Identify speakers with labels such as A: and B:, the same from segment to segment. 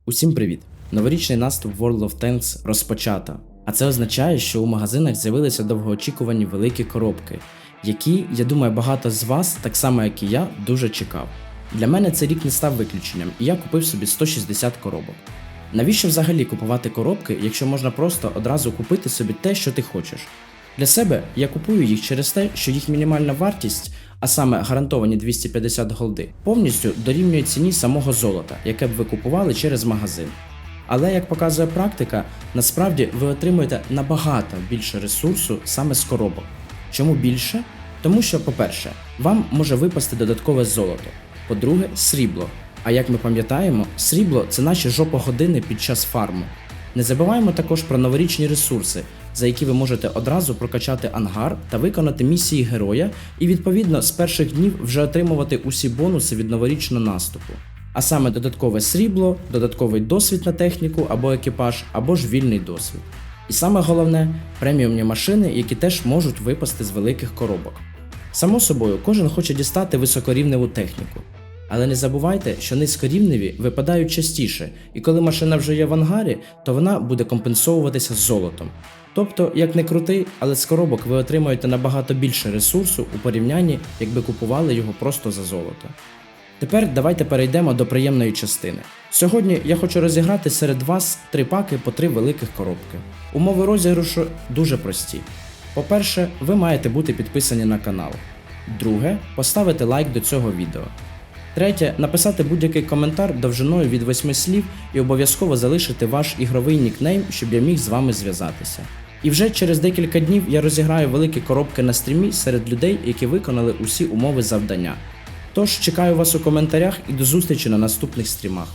A: Усім привіт! Новорічний наступ World of Tanks розпочато. А це означає, що у магазинах з'явилися довгоочікувані великі коробки, які, я думаю, багато з вас, так само як і я, дуже чекав. Для мене цей рік не став виключенням, і я купив собі 160 коробок. Навіщо взагалі купувати коробки, якщо можна просто одразу купити собі те, що ти хочеш? Для себе я купую їх через те, що їх мінімальна вартість, а саме гарантовані 250 голди, повністю дорівнює ціні самого золота, яке б ви купували через магазин. Але, як показує практика, насправді ви отримуєте набагато більше ресурсу саме з коробок. Чому більше? Тому що, по-перше, вам може випасти додаткове золото, по-друге, срібло. А як ми пам'ятаємо, срібло – це наші жопогодини під час фарму. Не забуваємо також про новорічні ресурси, за які ви можете одразу прокачати ангар та виконати місії героя і відповідно з перших днів вже отримувати усі бонуси від новорічного наступу. А саме додаткове срібло, додатковий досвід на техніку або екіпаж, або ж вільний досвід. І саме головне – преміумні машини, які теж можуть випасти з великих коробок. Само собою, кожен хоче дістати високорівневу техніку. Але не забувайте, що низькорівневі випадають частіше, і коли машина вже є в ангарі, то вона буде компенсовуватися золотом. Тобто, як не крути, але з коробок ви отримаєте набагато більше ресурсу у порівнянні, якби купували його просто за золото. Тепер давайте перейдемо до приємної частини. Сьогодні я хочу розіграти серед вас 3 паки по 3 великих коробки. Умови розіграшу дуже прості. По-перше, ви маєте бути підписані на канал. Друге, поставити лайк до цього відео. Третє, написати будь-який коментар довжиною від 8 слів і обов'язково залишити ваш ігровий нікнейм, щоб я міг з вами зв'язатися. І вже через декілька днів я розіграю великі коробки на стрімі серед людей, які виконали усі умови завдання. Тож чекаю вас у коментарях і до зустрічі на наступних стрімах.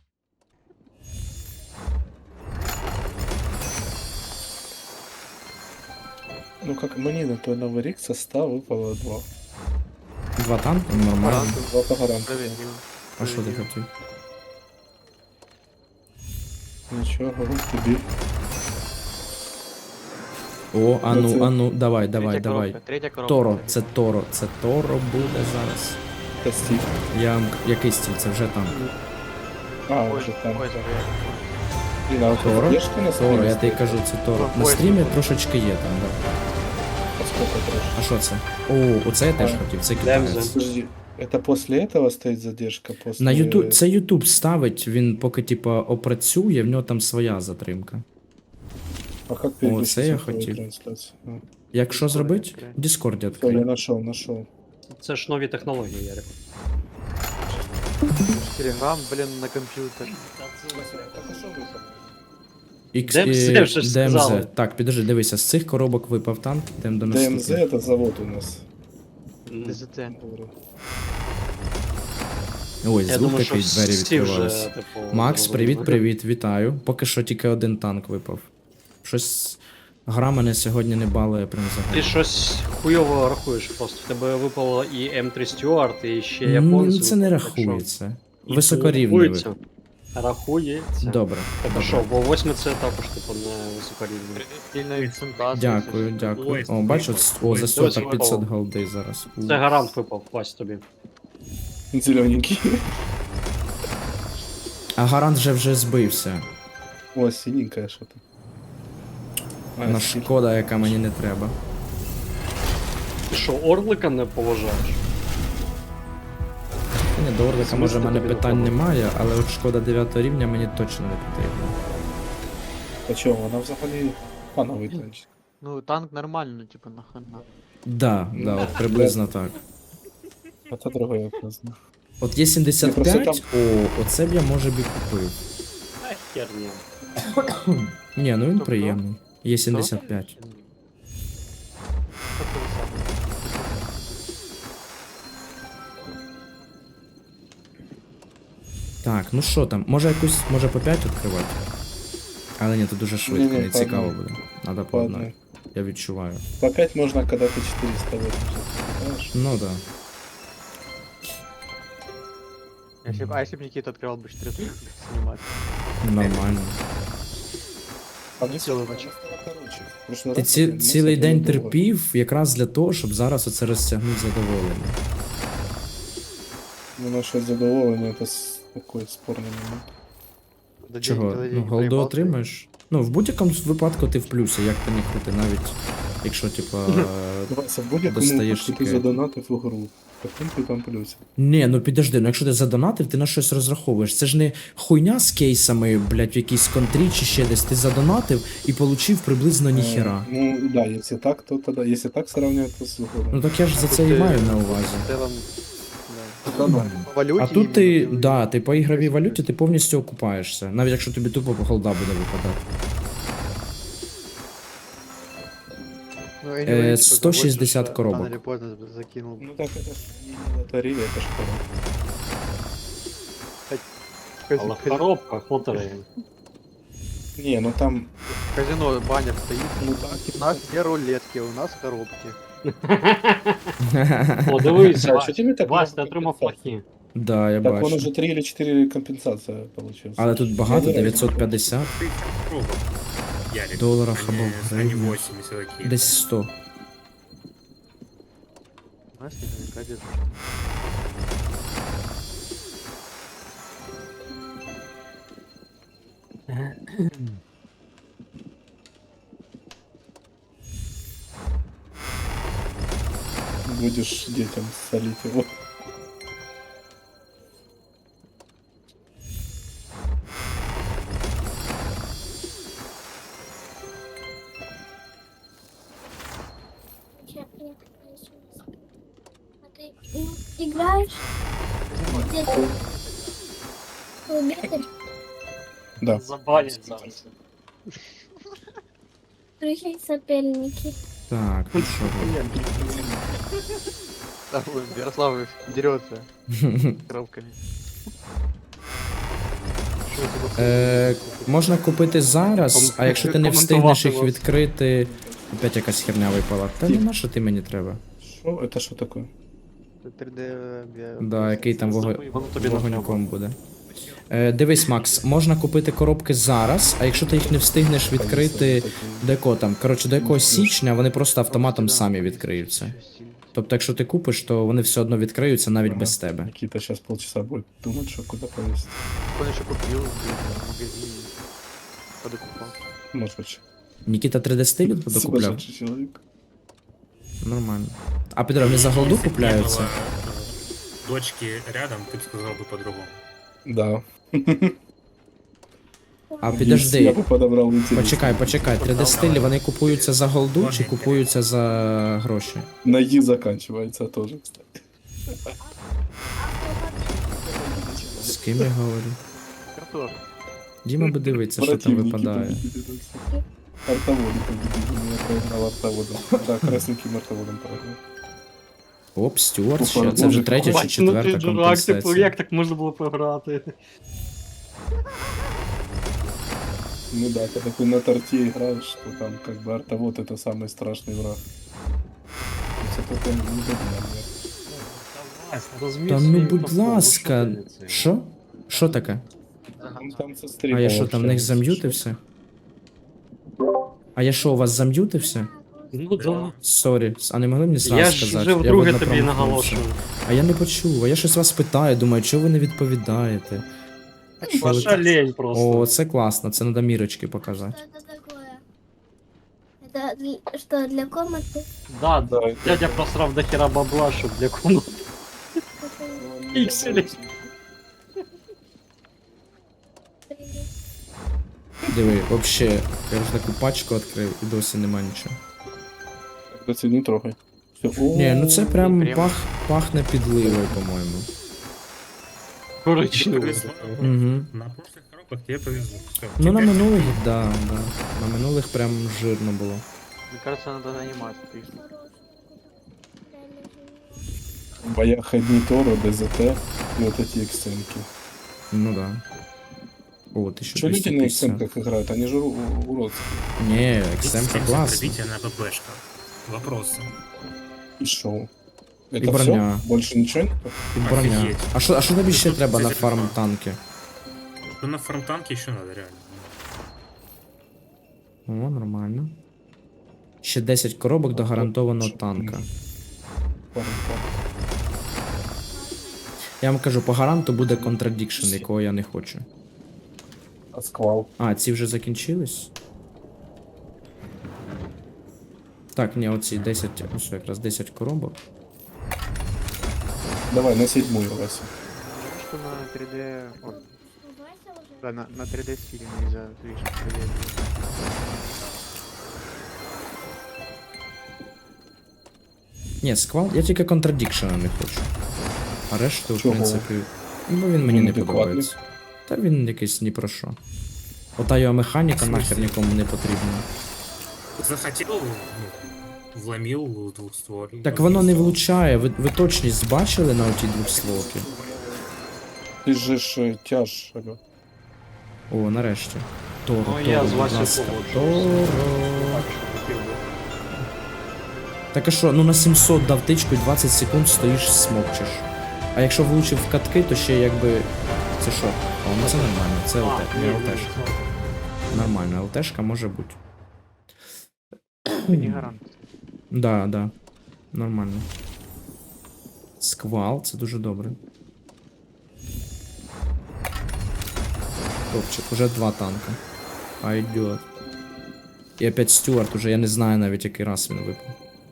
B: Ну как мне на той Новый Рик со 100 выпало 2.
A: 2 танки? Нормально.
B: 2 по гаранту.
A: А що ти хотів?
B: Ничего, говорю тебе.
A: О, ану, давай.
C: Третя коробка.
A: Торо буде зараз.
B: Костик.
A: Який стіль? Це вже танк.
B: А,
C: Ой,
B: уже там.
C: ой, забыл.
B: Блин, а вот
A: Торо?
B: поддержка на
A: Торо,
B: стриме
A: я тобі
B: стоит?
A: кажу, це Торо. На
C: Ой,
A: стрімі трошечки є там, да.
B: А сколько трэш?
A: А що це? О, оце я теж хотів, це китаєць.
B: Подожди, это после этого стоит задержка? После...
A: На YouTube, це YouTube ставить, він поки типа опрацює, в нього там своя затримка.
B: А как
A: О,
B: переключить
A: це я
B: цифровую
A: хотів.
B: трансляцию? А.
A: Як що зробить? В Discord
B: Всё, я
A: відкрив.
B: нашел.
D: Це ж нові технології, Ярик.
C: Телеграм, блин, на компьютер.
D: DMZ вже сказали.
A: DMZ. Так, підожди, дивися, з цих коробок випав танк, йдемо до
B: ДМЗ
A: наступного.
B: это завод у нас.
C: ДЗТ.
A: Ой,
D: Я
A: звук
D: думаю, що
A: такий, двері
D: всі вже,
A: відкриваються.
D: типу,
A: Макс,
D: зрозуміли.
A: привіт, вітаю. Поки що тільки один танк випав. Щось гра мене сьогодні не балує прям
D: Ти
A: взагалі.
D: щось хуйово рахуєш просто. В тебе випало і М3 Стюарт, і ще
A: Ні,
D: японці.
A: це не
D: так що-
A: рахується.
D: І
A: Високорівневий.
D: рахується. Рахується.
A: Добре.
D: Так що, бо 8 це також, типу, не високорівний.
C: Сильно відсунтався.
A: Дякую. О, бачу, о, за 100 так 500 голди зараз.
D: Це гарант випав, Вась, тобі.
B: Зелененький.
A: А гарант вже збився.
B: О, синенькая что-то.
A: На шкода, яка мені не треба.
D: Ти що, Орлика не поважаєш?
A: Ні, до Орлика, може, в мене
D: тобі
A: питань
D: не
A: немає, але от шкода 9 рівня мені точно не потрібна.
B: А чё, она взагалі пановий танк.
C: Ну, танк нормально, типа, нахрена.
A: Да, от приблизно так.
B: А то другой вопрос. да.
A: От є 75,
B: Ні, просто
A: оце б я може б і купив.
D: Ай, херня.
A: Ні, ну він
C: Тобто?
A: приємний. Є 75.
C: Що ти сам?
A: Так, ну що там, може по 5 відкривати? Але ні, тут дуже швидко,
B: Ні-ні,
A: не
B: по
A: цікаво
B: одній.
A: буде. Надо по
B: По
A: одній.
B: одной.
A: Я відчуваю.
B: По 5 можно, когда ты 480, знаешь?
A: Ну да.
C: Если б Никита открывал бы 4 снимать.
A: Нормально.
B: А мне
C: Цілий
B: всё
C: вечір.
B: короче. В прошлый
A: Ти
B: раз мы
A: цілий
B: смотрели
A: день
B: долго.
A: терпів якраз для того, щоб зараз оце розтягнути задоволення.
B: Ну, наше задоволення, это такой спорный момент.
A: Чого? Ну, голду отримаєш? Ну, в будь-якому випадку ти в плюсі, як ти не крути, навіть якщо, типа.
B: Вася, в будь-якому
A: Достаєш
B: випадку ти
A: таке.
B: задонатив у гру. Таким ти там плюс.
A: Ні, ну підожди, ну якщо ти задонатив, ти на щось розраховуєш. Це ж не хуйня з кейсами, блядь, в якійсь контрі чи ще десь. Ти задонатив і получив приблизно ніхера.
B: Ну, да, если так, то тогда, если так сравнивать, то супер.
A: Ну так я ж за це і маю на увазі.
C: В целом,
B: Да, да.
C: по валюте
A: А тут ти,
C: именно,
A: да, ти по ігровій валюті ти повністю окупаєшся. Навіть якщо тобі тупо по голда буде випадати.
C: ну, anyway, типа,
A: 160
C: заводишь,
A: коробок.
C: Рано или поздно закинул.
B: Ну так это ж не лотерея, это ж коробка.
D: Але в коробках лотереї.
B: Не, ну там,
C: Казино баннер стоит.
B: ну так,
C: У нас не рулетки, у нас коробки.
D: О, дивись,
B: А що тобі так
D: Вась, ти
B: много
D: отримав
B: компенсацій?
D: плохі.
A: Да, я
B: так он
A: бачу.
B: уже 3 или 4 компенсация получился.
A: Але тут багато,
B: Я не знаю,
A: 950
E: Пробок. Ярик.
A: доларів
E: а
A: або
E: не, а не
A: гривень.
E: 80 такие.
A: Десь 100.
C: У нас наверняка где-то.
B: Будешь детям солить его.
F: Я приехала еще. А ты играешь? Где ты? Ты убитый?
B: Да.
D: Забанять зараз.
F: Прикинь, соперники.
A: Так, ну що робити?
C: Там Ярослав дерется коробками. Что это
A: Можна купити зараз, а якщо ти не встигнеш їх відкрити. Опять якась херня випала. Та не на що ти мені треба?
B: Что? Это что такое?
C: за 3D?
A: Да, який там
D: Воно тобі не
A: вогоньком буде. Дивись, Макс, можна купити коробки зараз, а якщо ти їх не встигнеш відкрити до якого там, коротше, до якогось січня, вони просто автоматом самі відкриються. Тобто, якщо ти купиш, то вони все одно відкриються навіть без тебе.
B: Никита сейчас полчаса будет думать, что куда повесить.
C: Он еще купил в магазине. Подокупал.
B: Может быть.
A: Нікіта 3D стилю докупляв?
B: Сумасшедший человек.
A: Нормально. А Петро, вони за голду
E: Если бы не
A: купляються?
E: было, дочки рядом, ты бы сказал бы по-другому.
B: Да.
A: А
B: Я
A: підожди,
B: бы подобрал интересно.
A: почекай, 3D стилі вони купуються за голду чи купуються за гроші?
B: На «и» заканчивается тоже, кстати.
A: З ким я говорю?
C: Картошка.
A: Діма би дивиться, що там
B: Противники
A: випадає.
B: победили, так сказать. Артоводы победили, но я проиграл артоводом. Да, красненьким артоводом проиграл.
A: Оп, Стюарт ще.
B: Боже,
A: Це вже третя чи
D: Бач, ну ти
A: четверта
D: дурак, типу,
A: компенсація.
D: як так можна було програти?
B: Ну да, когда ты на торте играешь, то там как бы артовод это самый страшный враг. Это только не
D: Вась, розумієш
A: Та ну
D: свої
A: будь
D: поступки,
A: ласка.
D: що ти це?
A: Що? Що таке?
B: Там со
A: А
B: стримом
A: я що, там в них
B: общаешься.
A: зам'ютився? А я що, у вас зам'ютився?
D: Ну да.
A: Сорі, а не могли мені зразу
D: Я
A: сказати?
D: ж вже вдруге
A: видно,
D: тобі
A: промахнувся.
D: наголошую.
A: А я не почув, а я щось вас питаю, думаю, чого ви не відповідаєте? Що ви
D: Ваша
A: так-
D: лень просто.
A: О, це класно, це треба мірочки показати.
F: Что это такое? Это что, для комнаты?
D: Да,
B: Да, это-
D: дядя просрав до хера бабла, щоб для комнати. Пікселі.
A: Диви, вообще, я вже таку пачку відкрив і досі нема нічого.
B: Когда ты не трогай. Всё.
A: Ні, ну це прям
C: прям-
A: пахне підливою, по-моєму.
D: Коричневий.
E: Повезло.
A: Угу.
E: На прошлых коробках тебе повезло. Всё,
A: Ну на
E: теперь
A: минулих, да, да. На минулих прям жирно було.
C: Мне кажется, надо нанимать.
B: В боях одни Торо, ДЗТ и вот эти эксценки.
A: Ну да. О, ти що
B: Что люди на
A: 250.
B: эксценках играют? Они же уродские.
A: Ні, XM
E: Система
A: класно.
E: пробития на ББшках. Вопросы.
B: И шоу.
A: И
B: Это
A: броня.
B: все? Больше ничего нету?
A: І броня.
E: Офігеть.
A: А що тобі ще
E: Тут
A: треба на
E: це
A: фарм
E: цікаво.
A: танки?
E: Ну на фронтанке еще надо, реально.
A: О, нормально. Ще 10 коробок до гарантованого танка. Я вам кажу, по гаранту буде Contradiction, якого я не хочу.
B: А сквал.
A: А, ці вже закінчились? Так, ні, оці 10, ну що, якраз 10 коробок.
B: Давай, на 7-ю, Вася.
C: Что на 3D... О,
F: Ну, Вася уже.
C: да, на 3D стиле нельзя движение 3D.
A: Ні, сквал, я тільки Contradiction не хочу. А решту, в
B: Чого?
A: принципі. Ну, бо він мені
B: Він
A: не
B: адекватний.
A: подобається. Та він якийсь ні про що. Ота його механіка нахер нікому не потрібна.
E: Захотел, ну, вломил в двухстволе.
A: Так воно не влучає, ви точність бачили на оті двохстволки?
B: Ти ж тяж, алло.
A: О, нарешті. Торо,
D: Ну, я
A: Торо,
D: з
A: будь
D: Васею
A: ласка.
D: погоджуюсь.
A: Торо.
C: Так, что хотел бы.
A: Так а що, ну на 700 дав тичку і 20 секунд стоїш смокчеш. А якщо влучив в катки, то ще якби. Це що? О, ну це нормально, це ЛТ, не ЛТшка. Нормально, ЛТшка може бути.
C: Ты не гарант.
A: Да, да. Нормально. Сквал, це дуже добре. Топчик, уже 2 танка. Пойдет. І опять Стюарт, уже я не знаю навіть який раз він випав.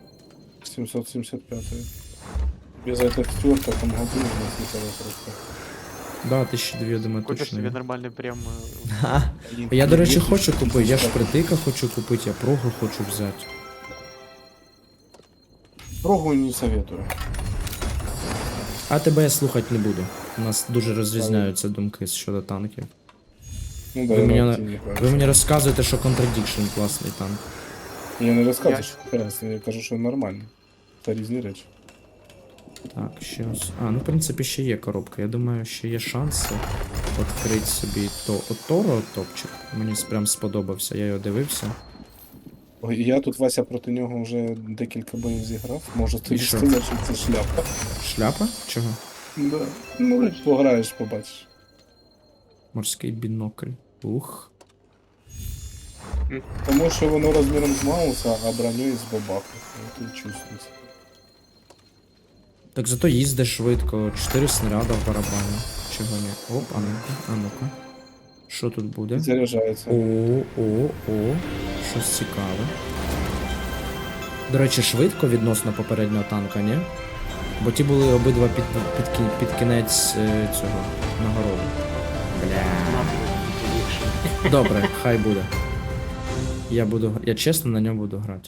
B: 775. Без этого стюарта там году не слетало просто.
A: Да, 1002, я думаю,
C: Купишь
A: точно.
C: себе
A: є.
C: нормальный прям...
A: Я, до речі, хочу купити, я ж притика хочу купити, я прогу хочу взяти.
B: Прогу не советую.
A: А тебе я слухати не буду. У нас дуже розрізняються думки щодо танків.
B: Ну да,
A: Ви
B: я
A: мені,
B: на не
A: ви мені розказуєте, що Contradiction класний танк.
B: Я не розказую, що прекрасно, я кажу, що нормально. Це різні речі.
A: Так, ще ось. А, ну в принципі ще є коробка. Я думаю, ще є шанси відкрити собі Торо топчик. Мені прям сподобався, я його дивився.
B: Ой, я тут, Вася, проти нього вже декілька боїв зіграв. Можу тобі
A: що?
B: сказати, що це шляпа.
A: Шляпа? Чого?
B: Да. Ну, пограєш, побачиш.
A: Морський бінокль. Ух.
B: Тому що воно розміром з Мауса, а бронює з бабаху. Ну, тут чувствується.
A: Так зато їздиш швидко, 4 снаряда в барабані. Чого ні? Оп, а ну-ка, а ну-ка. Що тут буде?
B: Заряджається.
A: О, щось цікаве. До речі, швидко відносно попереднього танка, ні? Бо ті були обидва під кінець цього нагороду. Бля. Добре, хай буде. Я чесно на ньому буду грати.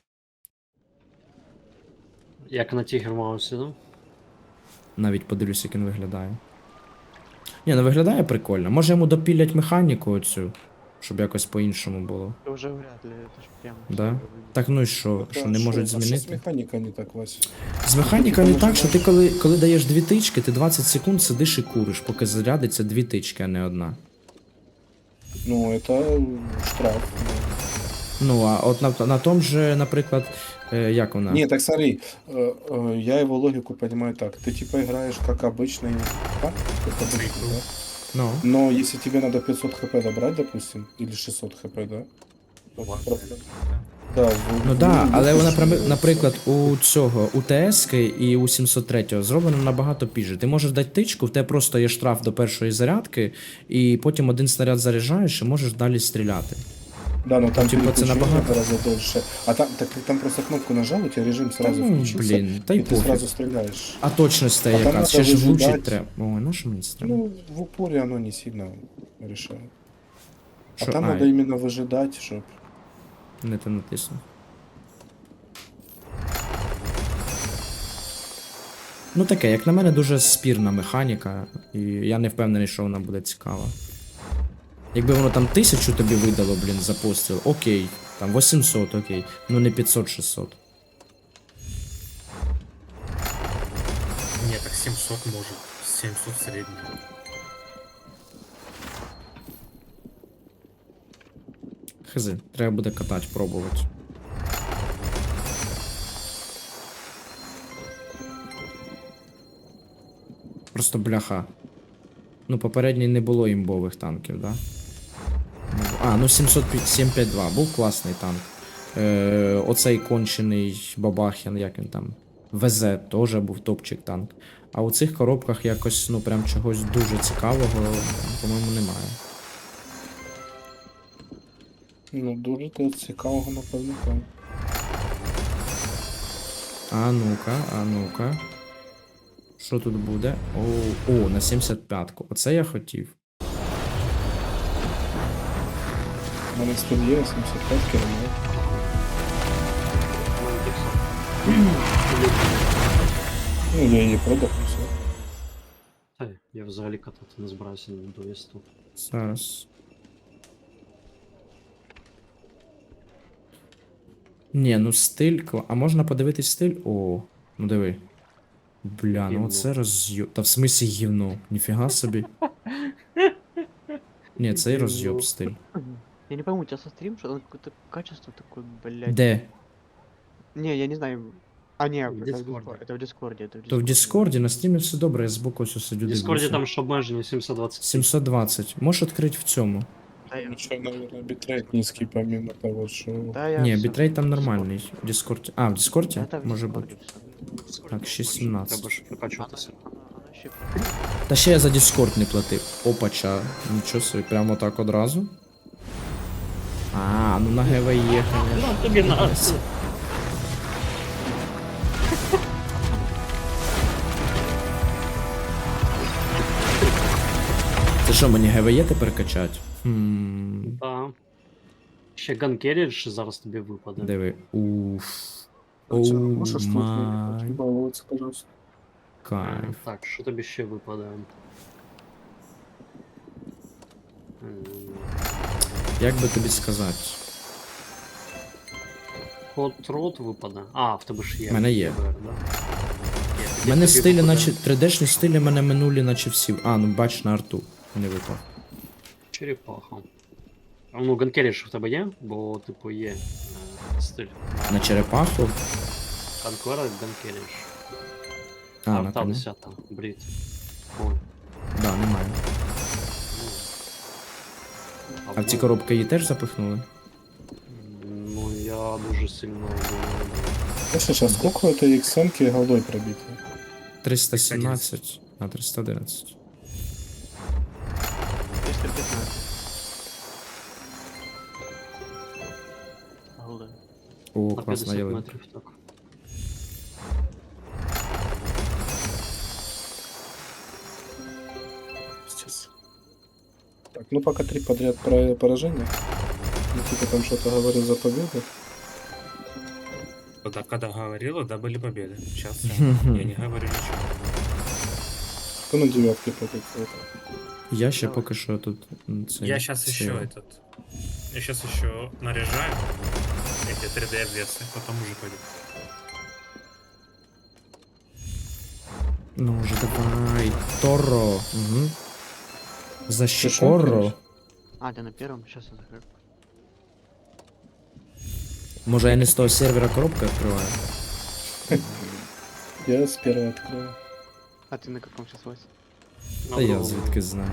D: Як на Тігр Маусі, ну?
A: Навіть подивлюсь, як він виглядає. Ні, ну виглядає прикольно. Може йому допілять механіку оцю, щоб якось по-іншому було.
C: Это уже вряд ли, это ж прям...
A: Да? Так ну і що не можуть
B: А що з
A: змінити?
B: механіка не так, Вася?
A: З механікою не так, що ти коли даєш 2 тички, ти 20 секунд сидиш і куриш, поки зарядиться 2 тички, а не одна.
B: Ну, це штраф.
A: Ну, а от на тому же, наприклад, як вона?
B: Не, так смотри, я его логику понимаю так. Ты типа играешь как обычный танк, как обычный, да?
A: Ну.
B: Но если тебе надо 500 хп добрать, допустим, или 600 хп, да? то просто- Да,
A: Ну да, але вона, наприклад, у цього, у ТС-ки і у 703 зроблено набагато пізже. Ти можеш дати тичку, в тебе просто є штраф до першої зарядки, і потім один снаряд заряджаєш і можеш далі стріляти.
B: Да, но там
A: типа, це
B: переключение
A: набагато.
B: гораздо дольше. А там, так, там просто кнопку нажал, у тебя режим сразу
A: Ну,
B: включился,
A: блин, да и
B: и ты
A: пофиг.
B: сразу стреляешь.
A: А точність
B: А там
A: яка?
B: надо
A: Ще ж влучить
B: вижидать.
A: треба. Ой, на що мені це треба?
B: Ну, в упоре оно не сильно решает.
A: Що?
B: А там
A: А,
B: надо именно выжидать, чтобы...
A: не те натиснув. Ну таке, як на мене, дуже спірна механіка, і я не впевнений, що вона буде цікава. Якби воно там 1000 тобі видало, блін, за постріл, окей. Там 800, окей. Ну не 500-600.
E: Нет, так 700 может. 700 средний.
A: Хз, треба буде катати, пробувати. Просто бляха. Ну, попередній не було імбових танків, да? А, ну 752, був класний танк. Оцей кончений Бабахін, як він там. ВЗ теж був топчик танк. А у цих коробках якось, ну прям чогось дуже цікавого, по-моєму, немає.
B: Ну, дуже ти цікавого, напевно, там.
A: А ну-ка, а ну-ка. Що тут буде? О, на 75-ку. Оце я хотів.
B: У мене стиль є, 75 км. Ну, я її продав, і все.
D: Та, я взагалі катати не збираюся до вісту.
A: Зараз. Ні, ну стиль. А можна подивитись стиль? О, ну диви. Бля, ну
D: Гівно.
A: оце роз'єб. Та в смислі гівно. Ніфіга собі. Ні, цей
D: Гівно.
A: роз'єб стиль.
C: Я не пойму, у тебя со стрим, что там какое-то качество такое, блядь.
A: Де?
C: Не, я не знаю. А, не,
D: В
C: это в
D: Дискорде.
C: Дискорде. Это в Дискорде, это в
A: То в Діскорді на стрімі все добре, я збоку ось сидю
D: В Дискорді
A: дивлюся.
D: там ж обмеження 720.
A: 720. Можеш відкрити в цьому?
C: Да, я,
B: Ну, що, наверное, бітрейт низький, помимо того, що...
C: да, я
A: Ні,
C: всё.
A: бітрейт там нормальний. В Діскорді. А, в Діскорді?
C: Это в
A: Може
C: Дискорде
A: бути.
C: всё.
A: Так, 6.17.
D: Треба ж прокачуватися.
C: Вообще,
A: Та ще я за Discord не платив. Опача, нічого собі, прямо так одразу. А, ну на ГВЕ, конечно.
D: Тобі надо.
A: Це що, мені ГВЕ тепер качать? Хм,
D: Так. Ще Ганкерідж зараз тобі випаде.
A: диви. Уф.
B: Можеш
A: Оу
B: тут
A: май
B: балуватися, пожалуйста.
A: кайф.
D: Так, що тобі ще випаде?
A: Як би тобі сказати?
D: Hot Rod випаде. А, в тебе ж є.
A: В мене є.
D: ВБР, да? Є,
A: У
D: тоді
A: мене
D: тобі
A: стилі,
D: випаде
A: наче 3D-шні стилі мене минулі, наче всі. А, ну бач на арту. Не випав.
D: Черепаха. А, ну, Ганкерідж в тебе є? Бо, типу, є стиль.
A: На черепаху.
D: Конквера Ганкерідж.
A: А, на
D: Арта
A: коня.
D: 10, брід. Ой.
A: Да, немає. А в ці коробки її теж запихнули?
D: Ну, я дуже сильно думаю.
B: Слушай, а сколько это XM-ки голдой пробито?
A: 317, а 311.
C: 315. Голда.
A: О,
D: На
A: класна
D: 50
A: ялинка.
D: метрів, так.
B: Сейчас. Так, ну пока 3 подряд поражения. Ну, типа там что-то говорил за победу.
E: Когда говорила, да, были победы. Сейчас я не говорю ничего.
B: Кто на девятке против этого?
A: Я ще
C: Давай.
A: поки що тут. Це,
E: Я сейчас еще этот... Я сейчас еще наряжаю эти 3D обвесы, потом уже пойду.
A: Ну вже давай. Торо. Угу. За
B: Ты шо,
A: щекоро.
B: конечно?
C: А, ты на первом? Сейчас я закрою.
A: Може я не з того сервера коробку відкриваю?
B: Я с первого открою.
C: А ты на каком сейчас Вася?
A: Та я звідки знаю.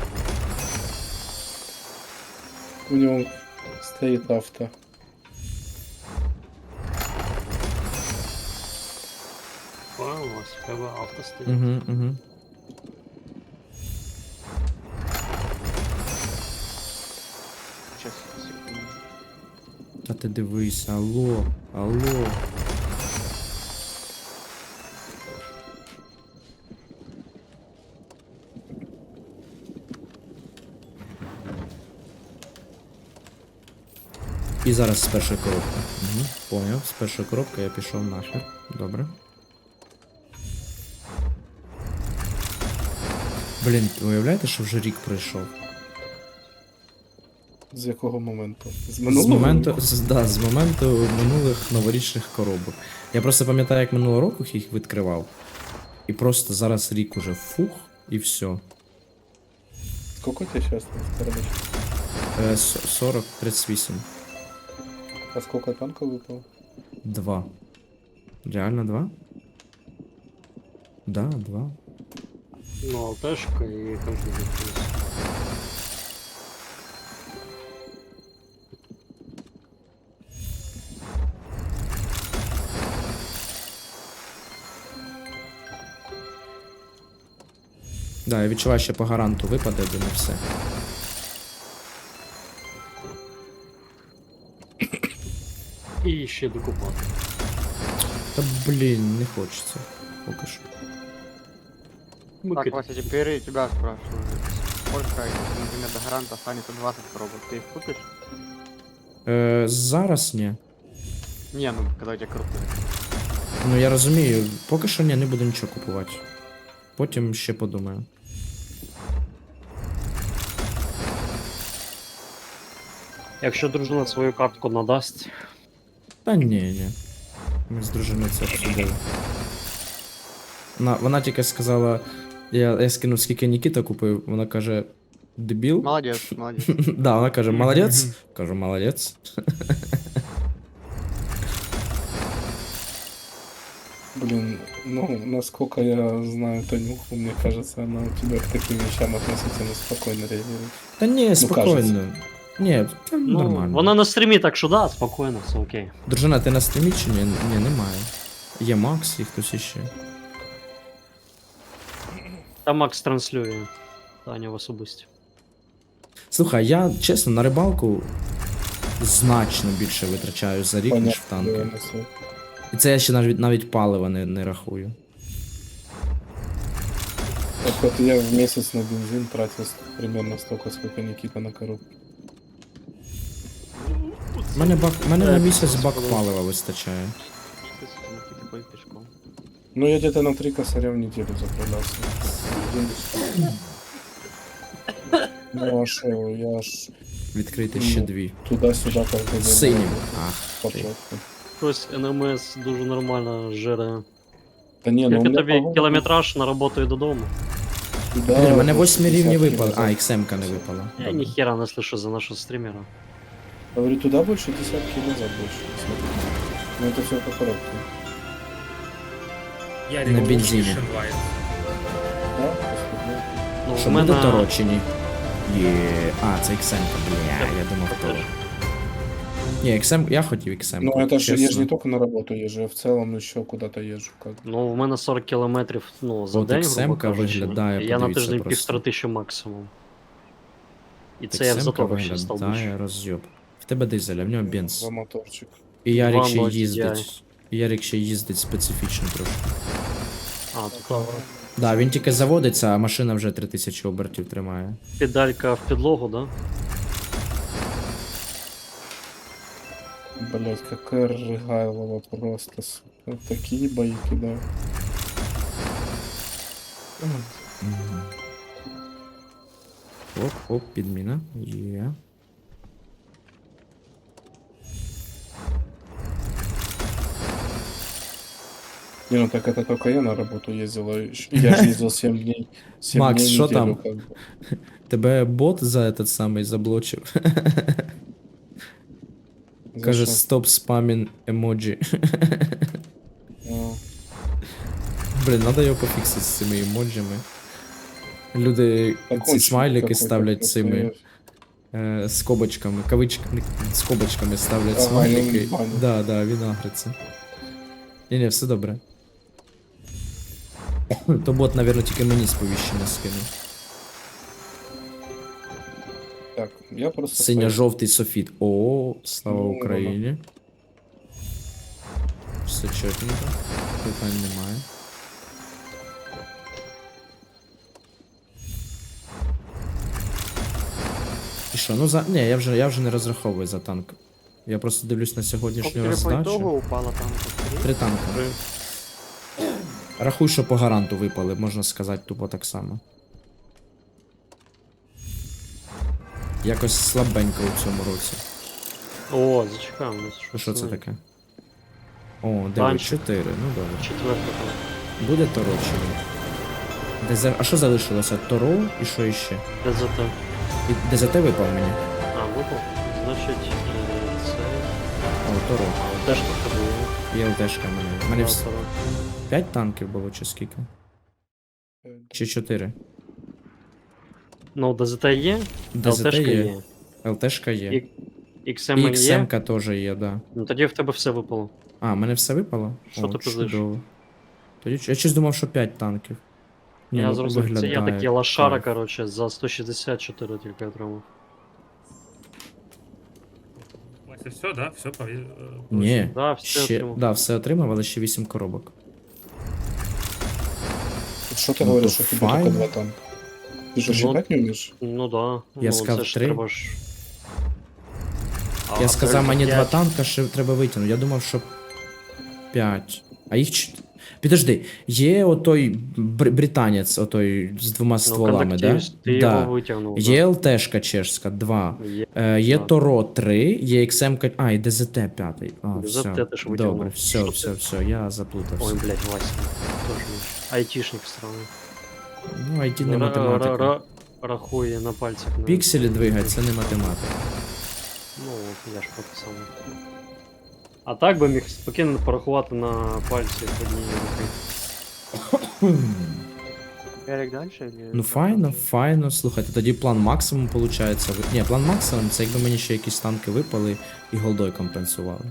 B: У него стоит авто.
D: Ось, в тебе авто стоїть.
A: Угу, угу.
C: Сейчас, секунду.
A: Та ти дивись, алло, алло. І зараз з першої коробки. Угу, поняв, з першої коробки я пішов нахер. Добре. Блін, уявляєте, що вже рік пройшов?
B: З якого моменту? З
A: З
B: минулого?
A: моменту, з моменту минулих новорічних коробок. Я просто пам'ятаю, як минулого року їх відкривав. І просто зараз рік уже фух, і все.
B: Сколько тебе сейчас на коробочке?
A: 40, 38.
B: А сколько танков выпало?
A: 2. Реально 2? Да, 2.
D: Ну, алтешка і кожен дефіс.
A: Да, я відчуваю, що по гаранту випаде, де не все.
D: І ще докупати.
A: Та блін, не хочеться. Поки що.
C: Так, Вася, теперь я тебя спрашиваю. Сколько, если, например, до гаранта останется 20 коробок, ты их купишь?
A: Зараз ні.
C: Не, ну, когда у тебя крупные.
A: Ну я розумію, поки що ні, не буду нічого купувати. Потім ще подумаю.
D: Якщо дружина свою картку надасть,
A: Та ні. Ми з дружиною це обсудили. Вона тільки сказала, я скинув, скільки Нікіта купив, вона каже, дебіл?
C: Молодец, молодец.
A: Да, вона каже, молодець. Кажу, молодець.
B: Блин, ну, насколько я знаю Танюху, мне кажется, она у тебя к таким вещам относительно спокойно реагирует.
A: Та ні, спокійно.
B: кажеться.
A: Ні, та
D: ну,
A: нормально.
D: вона на стрімі, так що да, спокійно, все окей.
A: Дружина, ти на стрімі чи ні? Ні, немає. Є Макс і хтось іще.
D: Та Макс транслює. Таня в особисті.
A: Слухай, я чесно на рибалку значно більше витрачаю за рік, ніж в танки.
B: Понятно.
A: І це я ще навіть палива не рахую.
B: Так вот я в месяц на бензин тратил примерно столько, сколько Никита на коробку.
A: Мене на місяць бак палива вистачає.
C: Никита ходит пешком.
B: Ну, я где-то на 3 косаря в неделю заправлялся. Ну, а шо, я ж
A: Відкрити
B: Ну,
A: ще дві.
B: туда-сюда каждый день.
A: Синім. Ах,
B: По
A: ти.
B: пробкам.
D: Хтось НМС дуже нормально жере.
B: Да не, ну у
D: Скільки
B: меня
D: тобі
B: погода-
D: кілометраж на роботу і додому?
B: Да,
A: Блін, мене
B: вот
A: 8 рівні
B: 50
A: випали.
B: кило
A: А,
B: за-
A: XM-ка не випала.
D: Я
A: Добре.
D: ніхера не слышу за нашого стрімера.
B: Говорю, туда больше десятки назад больше. Ну это все по коробке.
E: Я
A: На бензині.
E: Shenlite.
B: Да? После-
D: Ну,
A: Що
D: в
A: буде
D: мене...
A: Торо чи ні? Є. А, це XM-ка, бля, я думав Торо. Ні, XM, я хотів XM.
B: Ну это же, я же не только на работу езжу, я в целом еще куда-то езжу. Как. бы.
D: Ну, в мене 40 кілометрів, ну, за
A: От
D: день,
A: XM-ка
D: грубо кажучи.
A: виглядає,
D: І я на
A: подивіться
D: тиждень
A: просто.
D: 1500 максимум. І це я в
A: XM-ка
D: затор ще став
A: виглядає
D: більше.
A: роз'єб. В тебе дизель, а в нього бенз.
B: За моторчик.
A: І Ярик ще
D: 2.0
A: їздить. І Ярик ще їздить специфічно трошки.
D: А, тут
A: Да, він тільки заводиться, а машина вже 3000 обертів тримає.
D: педалька в підлогу, да?
B: Блять, какая рыгайлова просто. Сука. Такие бои кидаю.
A: Оп, підміна. Є.
B: Не, ну так это только я на работу ездил. Я же ездил 7 дней. 7
A: Макс,
B: дней в
A: шо
B: неделю,
A: там?
B: как бы.
A: Тебе бот за этот самий заблочив.
B: За
A: Каже,
B: что?
A: стоп спамін емоджі.
B: А,
A: Блін, надо його пофіксити з цими емоджами. Люди ці
B: закончил
A: смайлики
B: какой-то
A: ставлять
B: просто
A: цими скобочками, кавичками, скобочками ставлять
B: Ага,
A: смайлики.
B: він банить.
A: Да, він агриться. Ні, все добре. То бот, навірно, тільки мені сповіщення скинув.
B: Так, я просто...
A: Синьо-жовтий софіт. О, слава
B: Ну,
A: Україні. Все чотненько. Питань немає. І що, ну за. Ні, я вже не розраховую за танк. Я просто дивлюсь на сьогоднішню
C: Сколько тебе по итогу
A: роздачу.
C: упало там?
A: 3 танка. Рахуй, що по гаранту випали, можна сказати, тупо так само. Якось слабенько у цьому році.
D: О, зачекаємо. у нас щось
A: Що це
D: нове.
A: таке? О, 9,
D: Танчик.
A: 4, ну добре.
D: Четверта.
A: Буде Торо чи ні? А що залишилося? Торо і що іще?
D: ДЗТ.
A: І ДЗТ випав мені?
D: А, випав. Значить, це...
A: О, Торо.
D: Теж тут було.
A: Є ЛТшка в мене. У мене
D: Автора.
A: 5 танків було чи скільки? Чи 4?
D: Ну, ДЗТ є,
A: ДЗТ
D: ЛТшка
A: є.
D: є.
A: ЛТшка є.
D: І
A: І
D: XM є.
A: XM-ка теж є, да.
D: Ну тоді в тебе все випало.
A: А, в мене все випало?
D: Що ти пиздиш?
A: чудово. Тоді я щось думав, що 5 танків. Ні,
D: Я
A: ну,
D: зрозумів, це я
A: виглядає
D: такий лошара,
A: кайф.
D: короче, за 164 тільки отримав.
E: Це все, да? Все
A: Ні,
D: Да, все
A: ще,
D: отримав.
A: да, все отримав, але ще 8 коробок.
B: Что ты
A: Ну,
B: говоришь,
A: то
B: что тебе
A: файн.
B: только 2 танка? Ты же
D: Ну,
B: считать не умеешь?
D: Ну да.
A: Я
D: ну,
A: сказав
D: це ж
A: 3.
D: треба ж...
A: Я сказав, мені 2
D: 5.
A: танка ще треба витягнути. Я думав, що 5. А їх Підожди, є отой британець, отой з 2 стволами, да?
D: Ти
A: Да.
D: його витягнув.
A: Є ЛТшка чешська, 2. Є
D: да.
A: Торо 3, є XM, а, і ДЗТ 5. А,
D: ДЗТ
A: все.
D: ти ж витягнув.
A: Добре, все,
D: Що
A: все,
D: ти?
A: все, я заплутався.
D: Ой, блядь, Вася. Тоже айтишник странный.
A: Ну, IT не математика.
D: Рахує на пальцях. на-
A: Пікселі двигать, це не математика.
D: Ну, от, я ж про те саме. А так би міг спокійно порахувати на пальці однієї руки.
C: Ярик дальше или...
A: Ну файно, файно. Слухайте, тоді план максимум виходить. Ні, план максимум це якби мені ще якісь танки випали і голдой компенсували.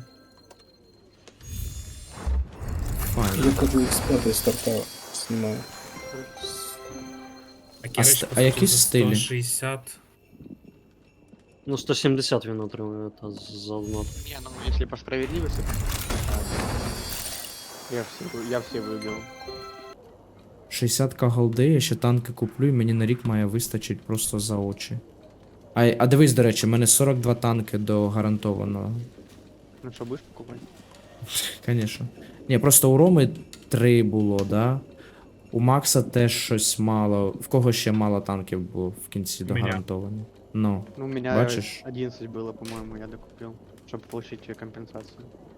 A: Файно.
B: Я как X5 старта снимаю.
A: А які стилі?
E: 160.
D: Ну, 170 він отримує та за одну.
C: Не, ну если по справедливости... Я все выбил.
A: 60к голди, я ще танки куплю, і мені на рік має вистачить просто за очі. А дивись, до речі, в мене 42 танки до гарантованого.
C: Ну что, будешь покупать?
A: Конечно. Ні, просто у Роми 3 було, да? У Макса теж щось мало. В кого ще мало танків було в кінці до
E: Мене.
A: гарантовані? Ну.
C: Ну, у меня
A: Бачишь?
C: 11 было, по-моему, я докупил, чтобы получить компенсацию.